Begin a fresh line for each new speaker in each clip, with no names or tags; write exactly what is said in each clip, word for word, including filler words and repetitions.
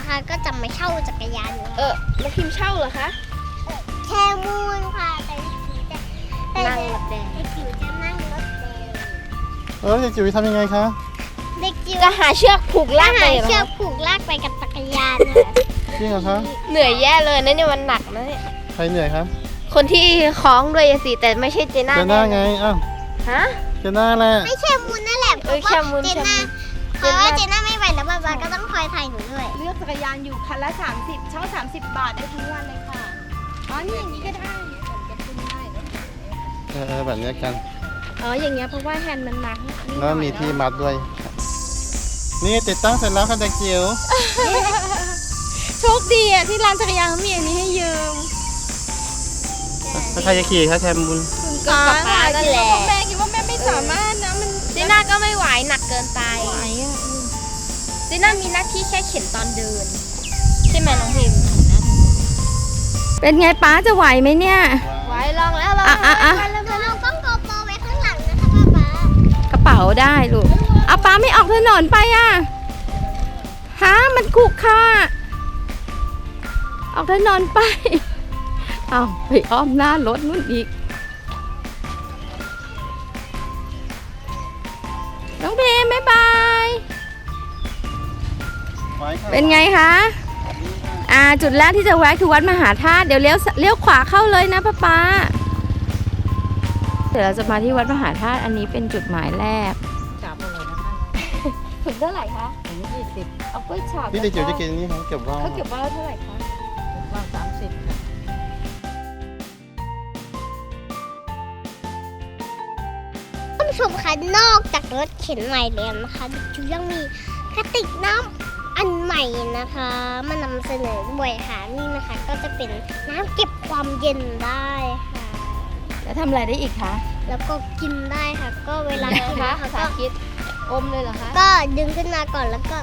นะคะก็จะมาเช่าจักรยาน
เออมาพิมพ์เช่าเหรอคะ
แคมูนค่ะแต่จิ๋วจะ
นั่งรถแดง
เด็กจิ๋วจะนั่งรถแดง
เออเด็กจิ๋วทำยังไงคะ
เด็กจิ๋ว
จะหาเชือกผูกลาก
หา
ไปเหรอ
เชือกผูกลากไปกับจักรยานค่ะ
จริงเหรอคะ
เหนื่อยแย่เลยนะเนี่ยมันหนักนะเนี่ย
ใครเหนื่อยคะ
คนที่คล้องด้วยสิแต่ไม่ใช่เจน่า
เจน่าไงอ้าว
ฮะ
เจน่าแหละ
ไม่แคมูนนั่นแหละเพ
เอ
ราะ
อแค
ว่า
มูน
เจ
แคมู
น่าน เพราะว่าเจน่าไม่ไหวแล้วบาบาก็ต้องคอยถ่ายหนูด้วย
เลือกจักรยานอยู่คันละ สามสิบ เช่า สามสิบ บาทได้ทั้งวันเลยค่ะ อ๋อ นี่อย่างนี้ก็ได้ผมจะขึ้นได้
เออเออแบบเนี้ยกัน
อ๋ออย่างเงี้ยเพราะว่าแฮนด์มันหนัก
แล้วมีที่มัดด้วย นี่ติดตั้งเสร็จแล้วค่ะเด็กจิ๋ว
โชคดีอ่ะที่ร้านจักรยานเขามีอันนี้ให้ยืม
ถ้าใครจะขี่คะแคมูน
คุณ
ก็ป๊าป๊านั่นแหละ
แม่คิดว่าแม่ไม่สามารถนะ มัน
เจน่าก็ไม่ไหวหนักเกินไป
ไหวอ่ะ
เจน่ามีหน้าที่แค่เข็นตอนเดินใช่ไหมน้องพิมพ์
เป็นไงป้าจะไหวไหมเนี่ย
ไหวลองแล้วลอง
อ่ะอ่ะอ่ะ
แล้วเราต้องโกโปรไว้ข้างหลังนะคะป๊าป๊าก
ระเป๋าได้ลูกเอาป้าไม่ออกถนนไปอ่ะฮะมันขรุขระออกถนนไป เอาไปอ้อมหน้ารถนู่นอีก น้องเพมบ๊ายบาย เป็นไงคะ อ่า จุดแรกที่จะแวะคือวัดมหาธาตุ เดี๋ยวเลี้ยวเลี้ยวขวาเข้าเลยนะป้าป๊าเดี๋ยวเราจะมาที่วัดมหาธาตุ อันนี้เป็นจุดหมายแรก
จับเลยนะคะ
ถึงเท่าไหร่คะ
อันนี้ยี่สิบ
เอากล้วยฉาบ
พี่เด็กจิ๋วจะกินนี่เขาเก็บว่าว
เขาเก็บว่าเท่าไหร่คะ
ว่างสามสิบค่ะ
ท่านผู้ชมคะนอกจากรถเข็นใหม่แล้วนะคะเด็กจิ๋วยังมีกระติกน้ำอันใหม่นะคะมานำเสนอด้วยค่ะนี่นะคะ ก็จะเป็นน้ำเก็บความเย็นได้ค่ะ
แล้วทำอะไรได้อีกคะ
แล้วก็กินได้ค่ะ ก็เวลากิน
คะ
นะคะ
สา
ก็
ธิตอมเลยเหรอคะ
ก็ดึงขึ้นมาก่อนแล้วก็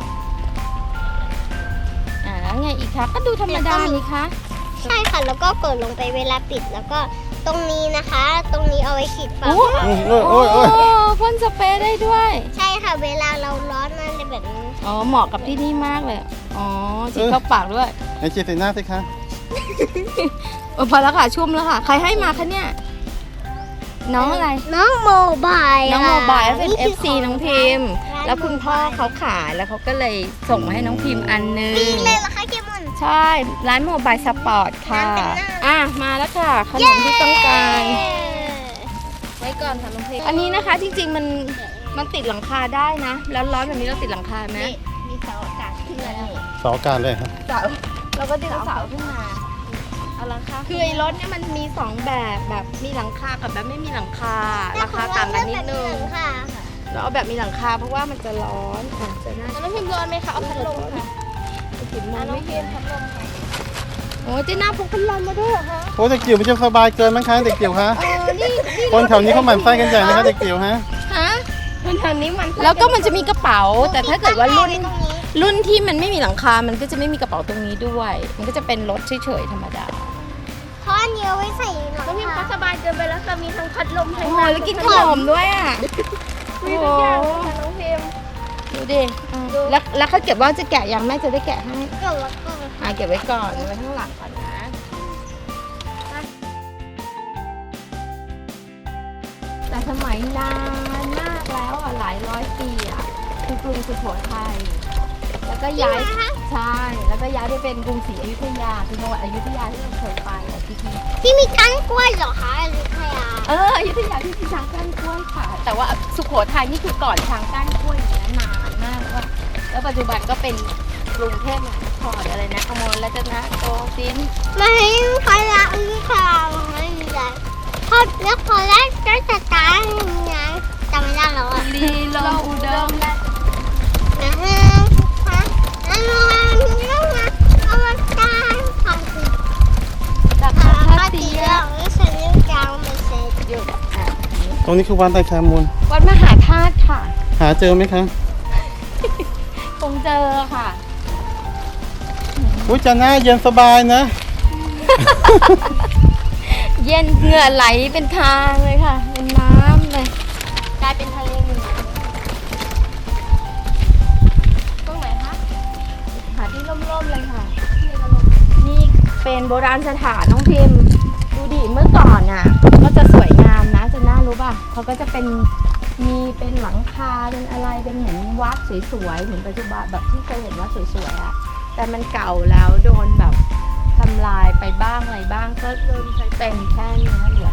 อ่าแล้วไงอีกคะ ก็ดูธรรมดานี่คะ
ใช่ค่ะ แล้วก็กดลงไปเวลาปิดแล้วก็ตรงนี้นะคะ ตรงนี้เอาไว้ฉีดฝา
โอ้
โอ้ยโอ้ยโอ้ยโอ้ย
พ่นสเปรย์ได้ด้วย
ใช่ค่ะ เวลาเราร้อนอะไรแบบนี้
อ๋อ เหมาะกับที่นี่มากเลย อ๋อฉีดเข้าปากด้วย
ไหนฉีดใส่หน้าสิคะ
เออพอแล้วค่ะ ชุ่มแล้วค่ะ ใครให้มาคะเนี่ย น้องอะไร
น้องโมบาย
น้องโมบายเป็น
นี่
เอ
คื
ฟซี
ข
น้องพิมพ์
ร้าน
แล้วคุณพ่อ
Mobile
เขาขายแล้วเขาก็เลยส่งมาให้น้องพิมพ์อันนึง
ปีเลยเหรอคะเคมุน
ใช่ ร้านโมบายสปอร์ตค่ะ
ร้านแต่งหน้า
อ่ะ มาแล้วค่ะ ขนมที่ต้องการ
ไว้ก่อนค่ะน้องพิมพ์
อันนี้นะคะจริงๆมันมันติดหลังคาได้นะ แล้วร้อนแบบนี้เราติดหลังคาไหม
มีเสาอากาศขึ้นมาแล้ว
เสาอากาศเลยครับ
เสาเราก็ดึงเสาขึ้นมา
เอาละค่ะ
คือไอ้รถเนี่ยมันมีสองแบบแบบมีหลังคากับแบบไม่มีหลังคา ราคาต่างกันนิดนึง
ค่ะ
เราเอาแบบมีหลังคาเพราะว่ามันจะร้อนอ่ะจะน่า
น้องพิมพ์ร้อนไหมคะเอาพัดลมค่ะ
กินมอง
น้อง
ไม่
พิ
เห็
ม
น
พ์พัดลมค่ะ
โอ้เจ๊หน้าพกพัดลมมาด้วยเหรอคะ
โอ้เด็กจิ๋วมันจะสบายเกินมั้งคะเด็กจิ๋วคะ
เออนี่นี่
คนแถวนี้เขาหมั่นไส้กันใหญ่นะคะเด็กจิ๋วฮะ
ฮะมันทางนี้มันแล้วก็มันจะมีกระเป๋า แต่ถ้าเกิดว่ารุ่น
ตรงนี้
รุ่นที่มันไม่มีหลังคา มันก็จะไม่มีกระเป๋าตรงนี้ด้วย มันก็จะเป็นรถเฉยๆธรรมดา
เพราะอันนี้เอาไว้ใส่หลัง
น้องพิมพ์
คา
ก็สบายเกินไปแล้วจะมีทั้งพัดลมทั้ง
โอ้โหแล้วกินขนมด้วยอ่ะ
มีทุกอย่างค่ะน้องพิมพ์
ดูดิอ่ะแล้วแล้วเขาเก็บว่าจะแกะยังแม่จะได้แกะให้
ก็แล้วก็
อ่ะเก็บไว้ก่อนเอาไว้ข้างหลังก่อนนะ แต่สมัยนานมากแล้วอ่ะหลายร้อยปีอ่ะคือกรุงสุโขทัยแล้วก็ย้ายใช่แล้วก็ย้ายไปเป็นกรุงศรีอยุธยาคือจังหวัดอยุธยาที่เราเคยไปอ่ะที่ที่
ที่มีก้านกล้วยเหรอคะอยุธยา
เอออยุธยาที่มีช้างก้านกล้วยค่ะ แต่ว่าสุโขทัยนี่คือก่อนช้างก้านกล้วยอย่างนี้นานมากแล้วก็แล้วปัจจุบันก็เป็นกรุงเทพมหานครอะไรนะอมรรัตนโกสินทร์
ไม่พอละอือค่ะไม่มีอะไรพอแล้วพอแรกก็จะตายยังไงจำไม่ได้แล้วอ่ะ
ลีลมอุดม
นะฮะฮะแล้วมันต้องมาเอามาตายค่ะคือ
จาก
พ
พั
อ
ท
ดี
ยา
แล้วไม่ใช่เรื่องกลางไม่ใช่
อยู่อ่ะ
ตรงนี้คือวัดไตรแคมูล
วัดมหาธาตุค่ะ
หาเจอไหมคะ
คงเจอค่ะ
อุ้ยจะหน้าเย็นสบายนะ
เย็นเหงื่อไหลเป็นทางเลยค่ะ เป็นน้ำเลย
กลายเป็นทะเลหนึ่งตรงไหนคะ
หาที่ร่มๆแเป็นโบราณสถานน้องพิมพ์ดูดิเมื่อก่อนอ่ะก็จะสวยงามนะจะน่ารู้ป่ะเขาก็จะเป็นมีเป็นหลังคาเป็นอะไรเป็นเหมือนวัดสวยๆเหมือนปัจจุบันแบบที่เคยเห็นวัดสวยๆอ่ะแต่มันเก่าแล้วโดนแบบทำลายไปบ้างอะไรบ้างก็เริ่มใช้เป็นแค่เนี้ยเหลือ